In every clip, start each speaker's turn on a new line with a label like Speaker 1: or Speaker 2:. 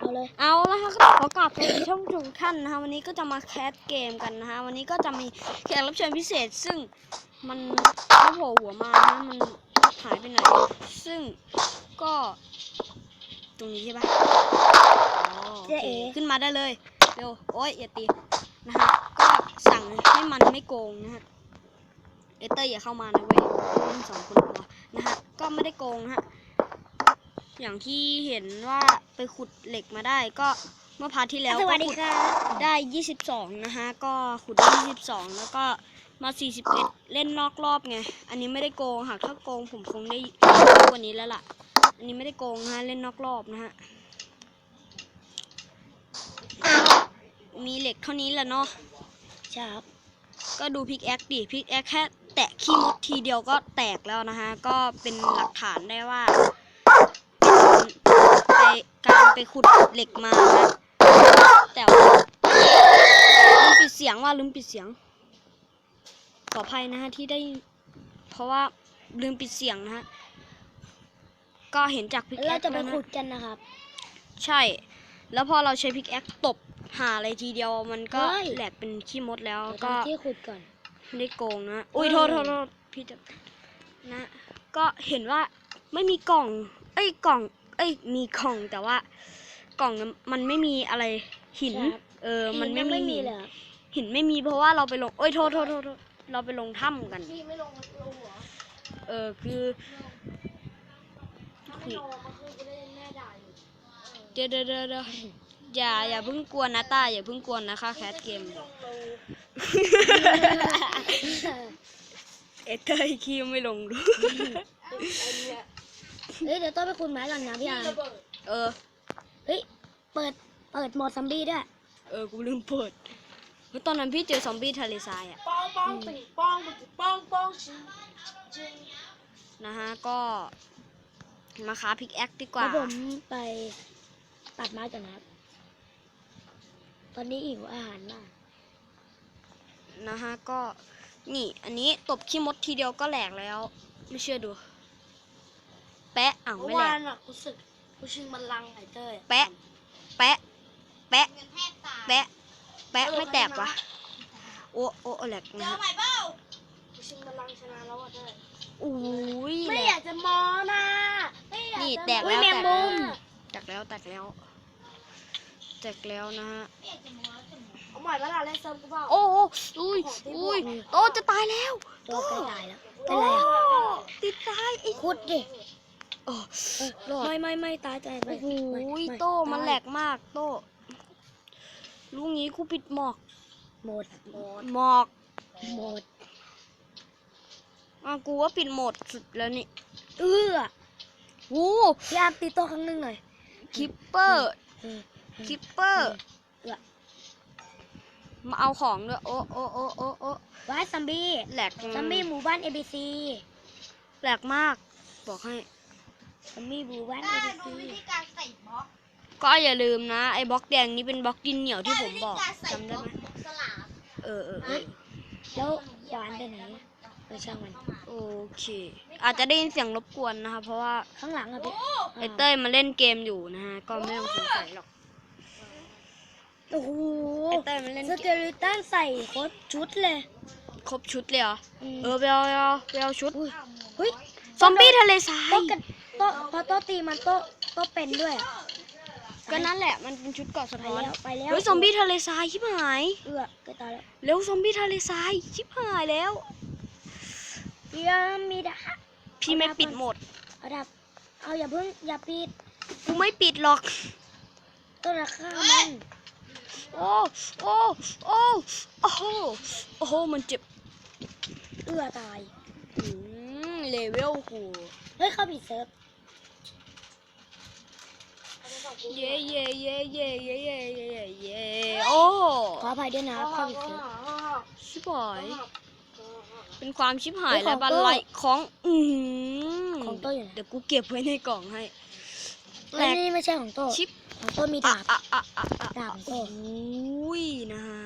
Speaker 1: เอาเลย
Speaker 2: เอาละครับขอกลับไปช่องทุกท่านนะคะวันนี้ก็จะมาแคสเกมกันนะคะวันนี้ก็จะมีแขกรับเชิญพิเศษซึ่งมันไม่โผล่หัวมานะมันหายไปไหนซึ่งก็ตรงนี้ใช่ปะอ๋อโอเคขึ้นมาได้เลยเร็วโอ๊ยอย่าตีนะฮะก็สั่งให้มันไม่โกงนะฮะเอเตอร์อย่าเข้ามานะเว้ยเล่น2 คนพอนะฮะก็ไม่ได้โกงนะฮะอย่างที่เห็นว่าไปขุดเหล็กมาได้ก็เมื่อพาร์ทที่แล้ว
Speaker 1: สวัสดีค่ะ
Speaker 2: ได้22นะฮะก็ขุดได้22แล้วก็มา41เล่นนอกรอบไงอันนี้ไม่ได้โกงหากถ้าโกงผมคงได้กว่านี้แล้วล่ะอันนี้ไม่ได้โกงนะฮะเล่นนอกรอบนะฮะมีเหล็กเท่านี้แหละเนาะ
Speaker 1: ใช่ครับ
Speaker 2: ก็ดูพิกแอคดิพิกแอคแค่แตะขี้มดทีเดียวก็แตกแล้วนะฮะก็เป็นหลักฐานได้ว่าการไปขุดเหล็กมานะแต่ว่าลืมปิดเสียงขออภัยนะฮะที่ได้เพราะว่าลืมปิดเสียงนะฮะก็เห็นจากพิกแอ
Speaker 1: เรา
Speaker 2: ค
Speaker 1: จะไป
Speaker 2: แล้ว
Speaker 1: ขุ
Speaker 2: นะ
Speaker 1: ดกันนะครับ
Speaker 2: ใช่แล้วพอเราใช้พิกแอคตบหาอะไรทีเดียวมันก็
Speaker 1: เฮ้ย
Speaker 2: แหลกเป็นขี้มดแล้ว
Speaker 1: เรา
Speaker 2: ก็
Speaker 1: ทำที่ขุดก่อน
Speaker 2: ไม่ได้โกงนะอุ้ยโทษพี่จะนะก็เห็นว่าไม่มีกล่องมีกล่องแต่ว่ากล่องมันไม่มีอะไรหิน
Speaker 1: ครับ
Speaker 2: มันไม่
Speaker 1: ไม่
Speaker 2: มี
Speaker 1: มีเลยครับ
Speaker 2: หินไม่มีเพราะว่าเราไปลงโทษเราไปลงถ้ำกัน
Speaker 1: พี่ไม่ลงหัว
Speaker 2: คือ
Speaker 1: ถ้าไม่ลงก็คือจะได้แม่ด่าอยู่
Speaker 2: เดี๋ยวอย่าเพิ่งกวนนะต้าอย่าเพิ่งกวนนะคะแคสเกมเอเตอร์คีไม่ลงดู
Speaker 1: เฮ้ยเดี๋ยวต้องไปขุดไม้ก่อนนะพี่อาร์ม เฮ้ยเปิดโหมดซอมบี้ด้วย
Speaker 2: กูลืมเปิดเพราะตอนนั้นพี่เจอซอมบี้ทะเลทรายอ่ะ
Speaker 1: ป้องปิงป้องชิง
Speaker 2: นะฮะก็มาค้าพิกแอคดีก
Speaker 1: แล้
Speaker 2: ว่า
Speaker 1: วผมไปตัดไม้ก่อนนะครับ ตอนนี้หิวอาหารมาก
Speaker 2: นะฮะก็นี่อันนี้ตบขี้มดทีเดียวก็แหลกแล้วไม่เชื่อดูแปะอ้าว
Speaker 1: เมื่
Speaker 2: ไม่
Speaker 1: อ
Speaker 2: แหล
Speaker 1: วาก นอ่ะกูชิงมันลังไอเต้ย
Speaker 2: แปะไม่แตกวะโอ้แหลกนะฮะ
Speaker 1: กูชิงมันลังชนะแล้วอ่ะเต้ย
Speaker 2: อุ้ย
Speaker 1: ไม่
Speaker 2: แหล
Speaker 1: อยาก กจะมอนะไม่อยาก
Speaker 2: นี่
Speaker 1: จะ
Speaker 2: แตก
Speaker 1: อุ๊
Speaker 2: แล้
Speaker 1: ยว แมงมุม
Speaker 2: แตกแล้วนะฮะ
Speaker 1: เอาใหม่เวลาเล่นเซิร์ฟกูเปล่า
Speaker 2: โอ้อุ้ยโตจะตายแล้ว
Speaker 1: ตัวใกล้ตายแล้วเป็นไรอ่ะ
Speaker 2: ติดตายไอ้
Speaker 1: ขุดดิ
Speaker 2: โอ้รอด
Speaker 1: ไม่ตายไม่
Speaker 2: โอ้โห
Speaker 1: ไม่
Speaker 2: โต้มันแหลกมากโต้ลูกนี้กูปิดหมอก
Speaker 1: หมด
Speaker 2: กูว่าปิดโหมดสุดแล้วนี่ โอ้
Speaker 1: พี่อาร์มตีโต๊ะครั้งหนึ่งหน่อย
Speaker 2: คิปเปอร์มาเอาของด้วยโอ้
Speaker 1: ว้ายซัมบี้
Speaker 2: แหลก
Speaker 1: ซัมบี้หมู่บ้าน ABC
Speaker 2: แหลกมากบอกให้
Speaker 1: ซัมบี้หมู่บ้าน
Speaker 3: ดู
Speaker 1: ABC
Speaker 3: วิธีการใส่บล็อก
Speaker 2: ก็อย่าลืมนะไอ้บล็อกแดงนี้เป็นบล็อกดินเหนียวที่ผมบอก
Speaker 3: วิธีารใส่
Speaker 2: จำ
Speaker 3: บ
Speaker 2: ได้
Speaker 3: ล็อก
Speaker 2: ไหม
Speaker 3: สลาม
Speaker 1: แล้วหวานไปไหนช่างมัน
Speaker 2: โอเค อาจจะได้ยินเสียงรบกวนนะคะเพราะว่า
Speaker 1: ข้างหลังอ่ะพี่
Speaker 2: ไอ้เต้ยมาเล่นเกมอยู่นะฮะก็ไม่ต้องสงสัยหรอก
Speaker 1: โอ้โห
Speaker 2: ไอ้เต้ยมันเล่น
Speaker 1: สเกลิตันใส่ครบชุดเลย
Speaker 2: ครบชุดเลยเหรอ
Speaker 1: ม
Speaker 2: ไปเอาชุด
Speaker 1: เฮ้ย
Speaker 2: ซอมบี้ทะเลทราย
Speaker 1: โต๊ะกันโต๊ะพอโต๊ะตีมันโต๊ะเป็นด้วยอะ
Speaker 2: ก็นั่นแหละมันเป็นชุดเกาะสะ
Speaker 1: ไป
Speaker 2: ท้อน
Speaker 1: แล้วไปแล้ว
Speaker 2: เฮ้ยซอมบี้ทะเลทรายชิบหาย
Speaker 1: ก็ตายแล้ว
Speaker 2: เร็วซอมบี้ทะเลทรายชิบหายแล้ว
Speaker 1: เดี๋ยวมีดาบ
Speaker 2: พี่ไม่ปิดหมด
Speaker 1: เอาดับเอาอย่าเพิ่งอย่าปิด
Speaker 2: กูไม่ปิดหรอก
Speaker 1: ต้นราคามัน
Speaker 2: โอ้มันเจ็บ
Speaker 1: ตาย
Speaker 2: เลเวลกู
Speaker 1: เฮ้ยเข้าผิดเซิร์ฟ
Speaker 2: เย่โอ้
Speaker 1: ขออภัยด้วยนะเข้าผิดเซิร์ฟ
Speaker 2: ชิบหายเป็นความชิบหาย
Speaker 1: เฮ้ย
Speaker 2: และ
Speaker 1: ของ
Speaker 2: บัน
Speaker 1: โต้
Speaker 2: ไลของ
Speaker 1: ของโต้อยู่ไหน
Speaker 2: เดี๋ยวกูเก็บไว้ในกล่องให้แหล
Speaker 1: อัน
Speaker 2: ก
Speaker 1: นี้ไม่ใช่ของโต้
Speaker 2: ชิป
Speaker 1: ของโต้มีดาบดาบของโต้
Speaker 2: อุ้ยนะฮะ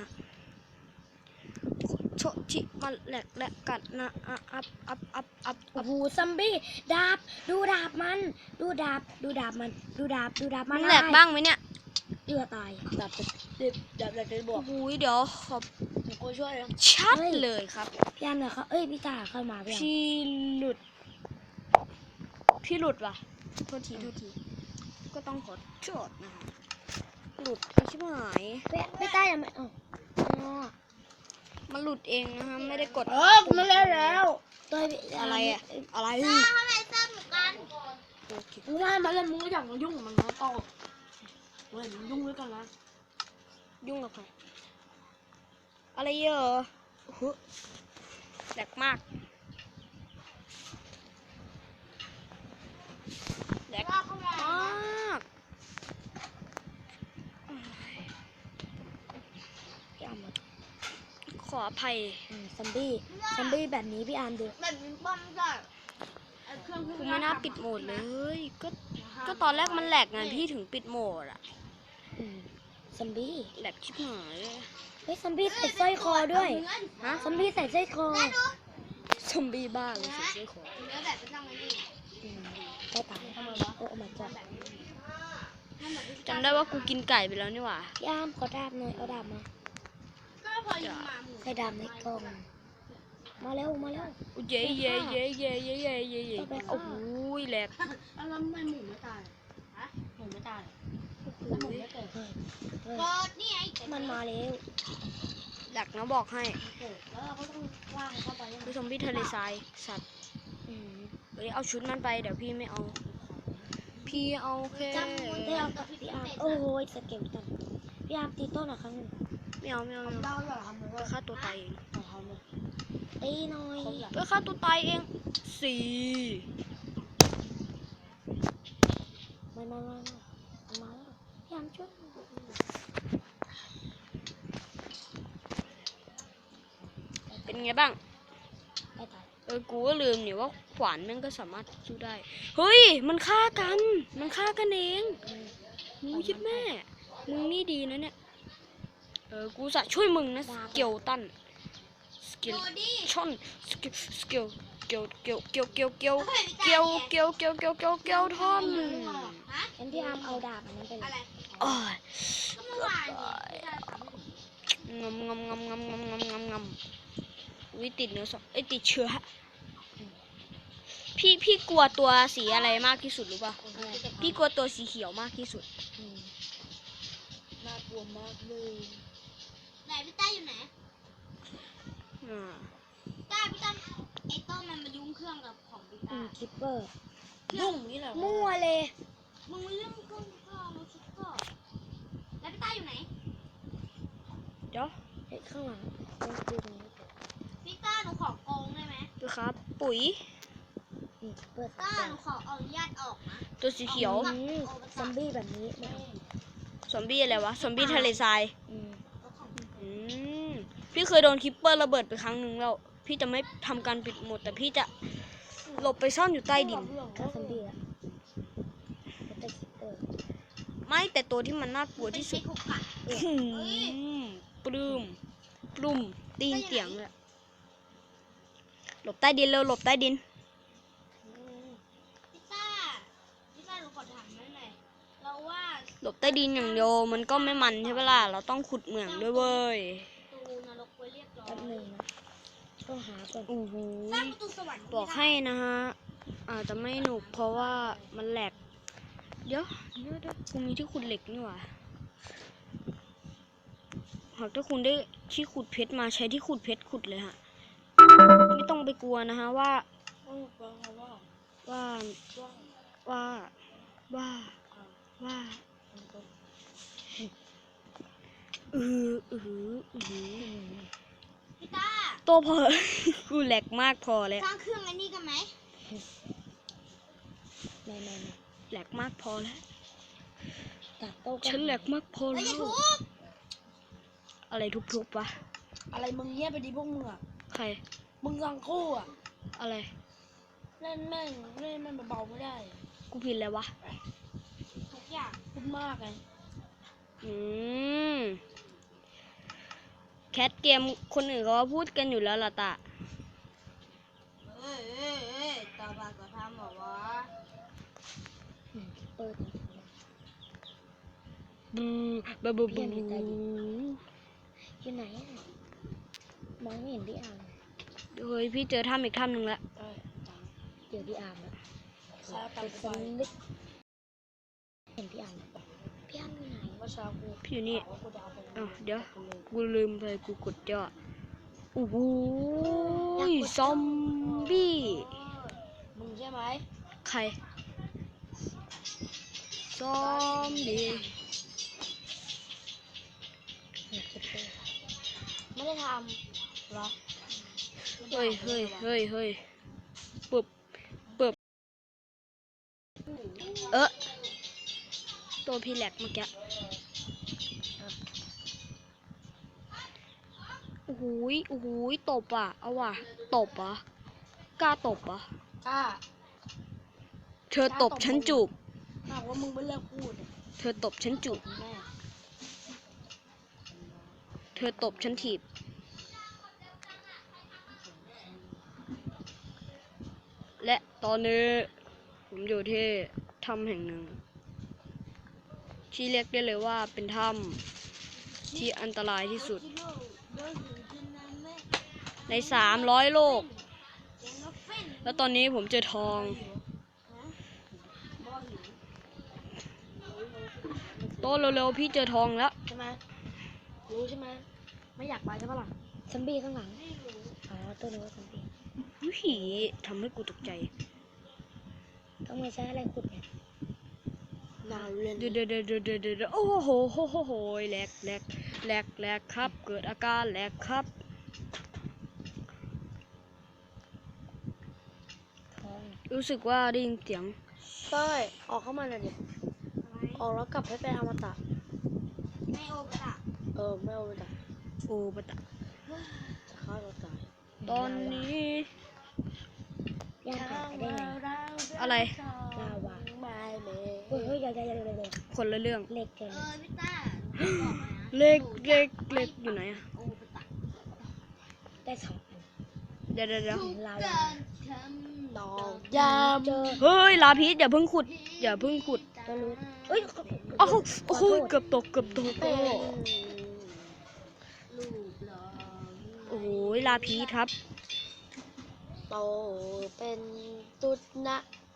Speaker 2: โชชิมันแหลกกันนะอัพ
Speaker 1: โอ้โหซัมบี้ดาบดูดาบมันดูดาบมัน
Speaker 2: มันแหลกบ้างไหมเนี่ย
Speaker 1: เอื้อตายดับจะบวก
Speaker 2: โอ้ยเดี๋ยวขอบ
Speaker 1: กูช่วยนะ
Speaker 2: ชัดเลยครับ
Speaker 1: พี่อาร์มเนี่ยเขาพี่ตาเข้ามาพี่อาร์ม
Speaker 2: พี่หลุด พี่หลุดว่ะ โทษที ก็ต้องขอโทษนะคะหลุดไอ้ชิบหาย
Speaker 1: พี่ตายังไม่อ๋อ
Speaker 2: มันหลุดเองนะคะไม่ได้กด
Speaker 1: กูไม่เล่นแล้วตัว
Speaker 2: อะไรอะอะไร
Speaker 1: ทำไมซ้ำเหมือนกันมึงว่ามันแล้วมึงก็อยากมายุ่งกับมันนะต่อเว้ยมึงยุ่งด้วยกันนะ
Speaker 2: ยุ่งกับใครอะไรเยอะแหลกมากแหลกมาก
Speaker 1: พี่อาร์ม
Speaker 2: ขออภัย
Speaker 1: ซอมบี้แบบนี้พี่อาร์มดูแบบนี้ป้อมได้
Speaker 2: กูไม่น่าปิดโหมดเลย ก็ตอนแรกมันแหลกไงพี่ถึงปิดโหมดอะ
Speaker 1: ซอมบี้
Speaker 2: แหลกชิบหายเลย
Speaker 1: เฮ้ยซอมบี้ใส่สร้อยคอด้วย
Speaker 2: ฮะ
Speaker 1: ซอมบี้ใส่สร้อยคอ
Speaker 2: ซอมบี้บ้าเลยสุดเลยขอ
Speaker 1: ได้ตายโอ้ my god
Speaker 2: จำได้ว่ากูกินไก่ไปแล้วนี่หว่า
Speaker 1: พี่อาร์มขอดาบหน่อยเอาดาบมาใส่ดาบในกล่องมาเร็ว
Speaker 2: เย้โอ้โหแหลก
Speaker 1: แล้วทำไมหมูไม่ตายหมูไม่ตายแล้วหมูไม่เกิดมันมาแล้ว
Speaker 2: แหลกนะบอกให้
Speaker 1: แล้วเราก็ต้องว่างเข้าไป
Speaker 2: คือซอมบี้ทะเลทรายสัตว์เฮ้ยเอาชุดมันไปเดี๋ยวพี่ไม่เอา พี่เอาแค่
Speaker 1: พี่อาร์มโอ้โหสเกลตันพี่อาร์มตีต้นอ่ะครั้งนึง
Speaker 2: ไม่เอาไปฆ่าตัวตายเอง
Speaker 1: ตีหน่อย
Speaker 2: ไปฆ่าตัวตายเองสี่
Speaker 1: มาแล้วพี่อาร์มช่วย
Speaker 2: เป็นไงบ้าง
Speaker 1: ได้ตาย
Speaker 2: กูก็ลืมนี่ว่าขวานแม่งก็สามารถสู้ได้เฮ้ยมันฆ่ากันเองมึงคิดแม่มึงนี่ดีนะเนี่ยกูจะช่วยมึงนะสเกลตันสเกลช่อนสเกลทอน
Speaker 1: งั้นพี่อาร์มเอาดาบอันนั้นไปเลย
Speaker 2: โอ้ยงำวิติดเนื้อสติดเชื้อพี่กลัวตัวสีอะไรมากที่สุดรู้ป่ะพี่กลัวตัวสีเขียวมากที่สุด
Speaker 1: น่ากลัวมากเลยไหนพี่ต้าอยู่ไหน ต้าพี่ต้าไอ้ต้นมันมายุ่งเครื่องกับของพี่ต้าคิปเปอร์ยุ่งนี่แหละมั่วเลยมึงเรื่องเครื่องก็มาคิปเปอร์แล้วพี่ต้าอยู่ไหน
Speaker 2: เดี๋ยว
Speaker 1: ข้างหลังพี่ต้าหนูขอโกงได้ไหม
Speaker 2: ดูครับปุ๋ย
Speaker 1: ต้าหนูขออนุญาตออกนะ
Speaker 2: ตัวสีเขียว
Speaker 1: ซอมบี้แบบนี้ไม่เอา
Speaker 2: ซอมบี้อะไรวะซอมบี้ทะเลทรายพี่เคยโดนคิปเปอร์ระเบิดไปครั้งหนึ่งแล้วพี่จะไม่ทำการปิดหมดแต่พี่จะหลบไปซ่อนอยู่ใต้ดิน
Speaker 1: ถ้าซอมบี้อะแต่คิปเปอร์
Speaker 2: ไม่แต่ตัวที่มันน่ากลัวที่สุดปลุ่มตีนเตียงเลยหลบใต้ดินเร็วหลบใต้ดิน
Speaker 1: พี่ต้าหนูขอถามหน่อยเราว่า
Speaker 2: หลบใต้ดินอย่างเดียวมันก็ไม่มันใช่ปะล่ะเราต้องขุดเหมืองด้วยเว้ย
Speaker 1: ตูนรกไว้เรียบร้อยแป๊บนึงนะต้องหาก่อน
Speaker 2: โอ้โห
Speaker 1: สร้างประตูสวรรค์
Speaker 2: บอกให้นะฮะอาจจะไม่หนุกเพราะว่ามันแหลกเดี๋ยวกูมีที่ขุดเหล็กนี่หว่าหากถ้าคุณได้ที่ขุดเพชรมาใช้ที่ขุดเพชรขุดเลยฮะไม่ต้องไปกลัวนะฮะว่า
Speaker 1: พี่ต้า
Speaker 2: ตัวพอ กูแหลกมากพอแล้ว
Speaker 1: สร้างเครื่องไอ้นี่กันไหมไม่
Speaker 2: แหลกมากพอแล้ว
Speaker 1: ตัดโต๊ะ
Speaker 2: ฉันแหลกมากพอแล้วอะไรทุบๆวะ
Speaker 1: อะไรมึงเงียบไปดิพวกมึงอ่ะ
Speaker 2: ใคร
Speaker 1: มึงรังคู่อ่ะ
Speaker 2: อะไร
Speaker 1: เล่นแม่งเบาๆไม่ได้
Speaker 2: กูผิดเลยวะ
Speaker 1: ทุกอย่างพูดมากไง
Speaker 2: แคทเกมคนอื่นเขาพูดกันอยู่แล้วล่ะตา
Speaker 1: ต่อไปก็ทำหรอวะเปิด
Speaker 2: บูบูบูบู
Speaker 1: อยู่ไหนอะมองไม่เห็นพี่อาร์ม
Speaker 2: เฮ้ยพี่เจอถ้ำอีกถ้ำหนึ่งแล้ว
Speaker 1: เดี๋ยวพี่อาร์มแล้ว
Speaker 3: ข้าตัดไฟ
Speaker 1: ลึกเห็นพี่อาร์มพี่อาร์มอยู่ไหน
Speaker 3: เมื่อเช้ากู
Speaker 2: พี่อยู่นี่
Speaker 3: ว่ากูจะเอาไป
Speaker 2: อ้าวเดี๋ยวกูลืมไปกูกดยอดโอ้โหซอมบี้
Speaker 3: มึงใช่ไหม
Speaker 2: ใครซอมบี้
Speaker 1: เนี่ยคิดเลย
Speaker 3: ไม่ได้ทำเหรอ
Speaker 2: เฮ้ยเฮ้ยเฮ้ยเฮ้ยปึ๊บปึ๊บตัวพี่แหลกเมื่อกี้โอ้โหยโอ้โหยตบอ่ะเอาว่ะตบอ่ะกล้าตบอ่ะ
Speaker 3: กล้า
Speaker 2: เธอตบฉันจูบ
Speaker 3: หากว่ามึงไม่เลิกพูดอะ
Speaker 2: เธอตบฉันจูบ
Speaker 3: แม่
Speaker 2: เธอตบฉันถีบและตอนนี้ผมอยู่ที่ถ้ำแห่งหนึ่งที่เรียกได้เลยว่าเป็นถ้ำที่อันตรายที่สุดใน300 โลก แล้วตอนนี้ผมเจอทองโตเร็วๆพี่เจอทองแล้ว
Speaker 3: ใช่ไหมรู้ใช่ไหมไม่อยากไปใช่ปะล่ะ
Speaker 1: ซอมบี้ข้างหลังอ๋อตัวนึกว่าซอมบี้
Speaker 2: วิหีทำให้กูตกใจ
Speaker 1: ต้องมาใช้อะไรขุดเนี่ย
Speaker 3: นานเล่น
Speaker 2: เดี๋ยวโอ้โหโหโหโหแหลกแหลกแหลกแหลกครับ เกิดอาการแหลกครับ
Speaker 1: ทอง
Speaker 2: รู้สึกว่าได้ยินเสียง
Speaker 3: เต้ยออกเข้ามาหน่อยดิออกแล้วกลับให้เป็นอมตะ
Speaker 1: ไม่โอปะ
Speaker 3: ไม่อมตะ
Speaker 2: โอ้ปะตะ
Speaker 3: จะฆ่าเราตาย
Speaker 2: ตอนนี้
Speaker 1: ย่างผ่านไปได้ไง
Speaker 2: อะไร
Speaker 1: ลาวา
Speaker 3: ไม่เลย
Speaker 1: เฮ้ยอย่าเลย
Speaker 2: คนละเรื่อง
Speaker 1: เล็กเกิน
Speaker 4: พี่ต้า
Speaker 2: เล็กเล็กเล็กอยู่ไหนอะ
Speaker 4: โอ้ปะตะ
Speaker 1: ได้2 อัน
Speaker 2: เดี๋ยว
Speaker 1: ลาวา
Speaker 4: ทำ
Speaker 3: ดอกยาม
Speaker 1: เจอ
Speaker 2: เฮ้ยลาพีชอย่าเพิ่งขุด อย่าเพิ่งขุด
Speaker 1: ก็รู้เอ้ย
Speaker 2: อ้าวโอ้โหเกือบตก
Speaker 3: เป็น
Speaker 4: ลูกหลอ
Speaker 2: โอ้โหลาพีชครับ
Speaker 3: โตเป็นตุ๊ดนะ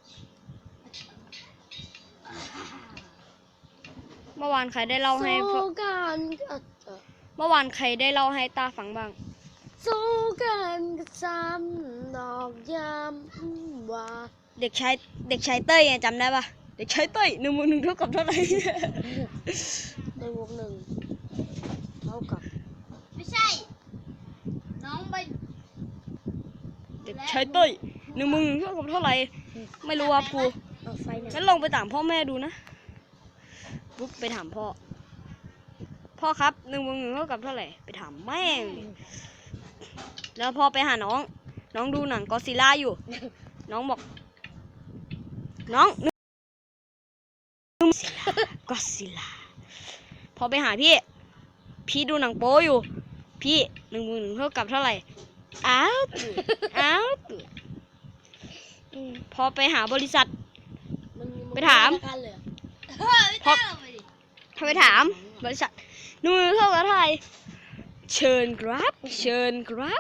Speaker 2: เมื่อวานใครได้เล่าให้
Speaker 3: สู้กัน
Speaker 2: เมื่อวานใครได้เล่าให้ตาฟังบ้าง
Speaker 3: สู้กันกับซ้ำดอกยามว่า
Speaker 2: เด็กชายเต้ยไงจำได้ปะเด็กชายเต้ย1+1เท่ากับเท่าไหร่
Speaker 3: ในวงหนึ่งเท่ากับ
Speaker 4: ไม่ใช่ น้องไป
Speaker 2: เด็กชายเต้ย1+1เท่ากับเท่าไหร่ไม่รู้ว่าครู
Speaker 1: เอาไฟเนี่ย
Speaker 2: งั้นลองไปถามพ่อแม่ดูนะปุ๊บไปถามพ่อ พ่อครับ1+1เท่ากับเท่าไหร่ไปถามแม่งดิแล้วพอไปหาน้องดูหนังก็อดซิลล่าอยู่ น้องบอก น้องก็อดซิลล่าพอไปหาพี่ดูหนังโป๊อยู่ พี่1+1เท่ากับเท่าไหร่อ้าวตื่นตื่นพอไปหาบริษัท ไปถาม
Speaker 3: กันเลย
Speaker 4: พี่ต้าลงไปดิ
Speaker 2: ถ้าไปถามบริษัท1+1เท่ากับเท่าไหร่เชิญครับ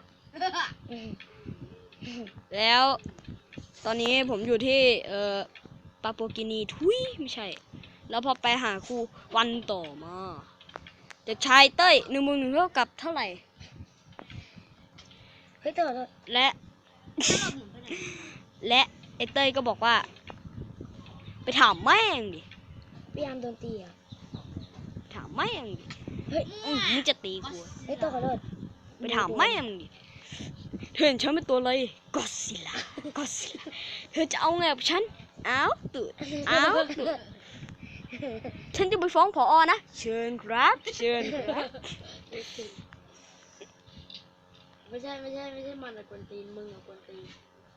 Speaker 2: แล้วตอนนี้ผมอยู่ที่ปาปัวกินีทุยไม่ใช่ แล้วพอไปหาครูวันต่อมาเด็กชายเต้ย1+1เท่ากับเท่าไหร่
Speaker 1: เฮ้ยตัว
Speaker 2: และ
Speaker 4: ถ้าเราหมุนไปไหน
Speaker 2: และไอ้เต้ยก็บอกว่า ไปถามแม่งดิ
Speaker 1: พี่อาร์มโดนตีอ่ะ
Speaker 2: ถามแม่งดิ
Speaker 1: เฮ้ย
Speaker 2: มึงจะตีกู
Speaker 1: เฮ้ยตัวขอโทษ
Speaker 2: ไปถามแม่งดิเธอเห็นฉันเป็นตัวอะไรก็อดซิลล่าเธอจะเอาไงกับฉันอ้าวตื่นฉันจะไปฟ้องผอนะเชิญครับ
Speaker 3: ไม่ใช่มันอะกวนตีนมึงอะกวนตีน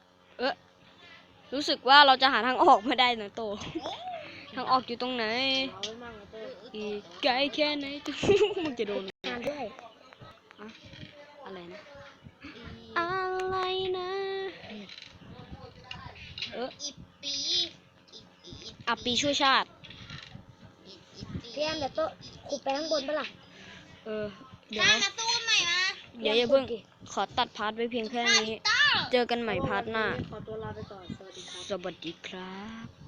Speaker 2: รู้สึกว่าเราจะหาทางออกไม่ได้นะโต ทางออกอยู่ตรงไหน
Speaker 3: เอาไว้มั่งนะเต้ย
Speaker 2: อีกไกลแค่ไหน มึงจะโดน
Speaker 1: งานด้วย
Speaker 2: อะไรนะ อะไรนะ
Speaker 4: อีปี
Speaker 2: อัปปีช่วยชาติ
Speaker 4: อีปี
Speaker 3: พี่แอมเดี๋ยวโต๊ะขุดไปข้างบนปะล่ะ
Speaker 2: เดี๋ยว
Speaker 4: ตามาสู้กันใหม่มา
Speaker 2: อย่าเพิ่งขอตัดพาร์ทไว้เพียงแค่นี้ เจอกันใหม่พาร์ทหน้า
Speaker 3: ขอตัวลาไปก่อน สวัสดีครับ
Speaker 2: สวัสดีครับ